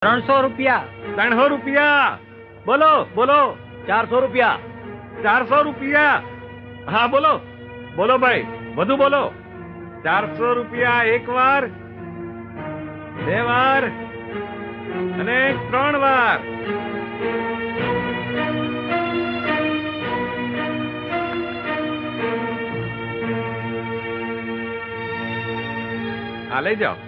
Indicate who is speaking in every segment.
Speaker 1: ₹300.
Speaker 2: 300 રૂપિયા. બોલો બોલો.
Speaker 1: ₹400.
Speaker 2: 400 રૂપિયા. હા બોલો બોલો ભાઈ, વધુ બોલો. 400 રૂપિયા એક વાર, બે વાર અને 3 વાર. હા લઈ જાઓ.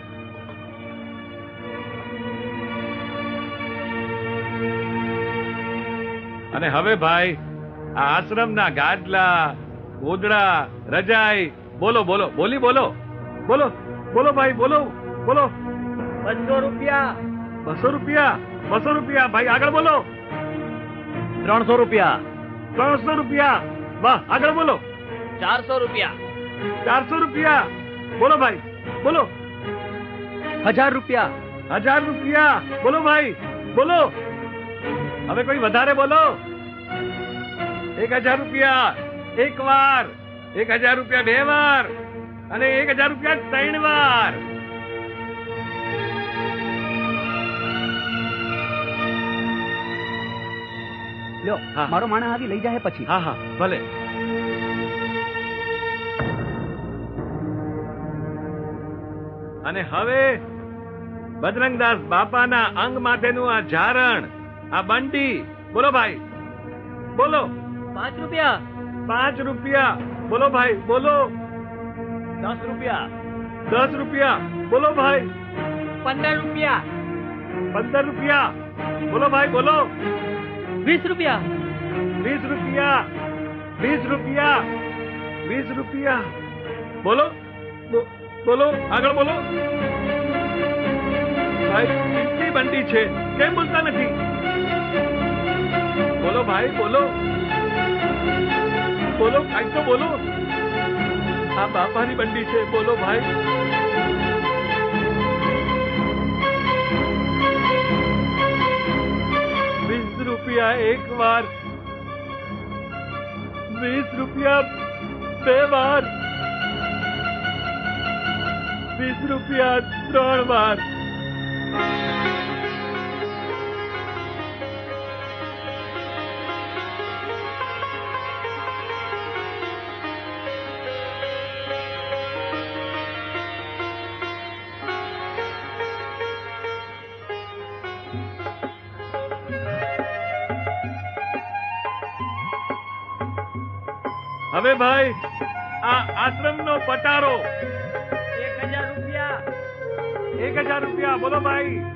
Speaker 2: અને હવે ભાઈ આ આશ્રમના ગાદલા, ગોદડા, રજાઈ બોલો બોલો, બોલી બોલો, બોલો બોલો ભાઈ, બોલો બોલો.
Speaker 1: ₹200.
Speaker 2: 200 રૂપિયા. 200 રૂપિયા ભાઈ, આગળ બોલો.
Speaker 1: ₹300.
Speaker 2: 300 રૂપિયા. વાહ, આગળ બોલો.
Speaker 1: ₹400.
Speaker 2: 400 રૂપિયા. બોલો ભાઈ, બોલો.
Speaker 1: ₹1000.
Speaker 2: 1000 રૂપિયા. બોલો ભાઈ, બોલો. હવે કોઈ વધારે બોલો. 1000 રૂપિયા એક વાર, 1000 રૂપિયા બે વાર અને 1000 રૂપિયા 3 વાર.
Speaker 1: લ્યો,
Speaker 2: હા.
Speaker 1: મારો માણસ આવી લઈ જાય પછી.
Speaker 2: હા હા ભલે. અને હવે બજરંગદાસ બાપાના અંગ માથેનું આ ઝારણ, આ બંડી બોલો ભાઈ, બોલો.
Speaker 1: ₹5.
Speaker 2: 5 રૂપિયા. બોલો ભાઈ, બોલો.
Speaker 1: ₹10.
Speaker 2: 10 રૂપિયા. બોલો ભાઈ.
Speaker 1: ₹15.
Speaker 2: 15 રૂપિયા. બોલો ભાઈ, બોલો.
Speaker 1: ₹20.
Speaker 2: 20 રૂપિયા. 20 રૂપિયા. 20 રૂપિયા. બોલો બોલો, આગળ બોલો. ભાઈ કેટલી બંડી છે, કેમ બોલતા નથી? બોલો ભાઈ, બોલો બોલો, કાંઈક તો બોલો. આ બાપાની બંડી છે, બોલો ભાઈ. ₹20 એક વાર, 20 રૂપિયા બે વાર, 20 રૂપિયા 3 વાર. હવે ભાઈ આ આશ્રમનો પટારો.
Speaker 1: 1000 રૂપિયા.
Speaker 2: 1000 રૂપિયા. બોલો ભાઈ.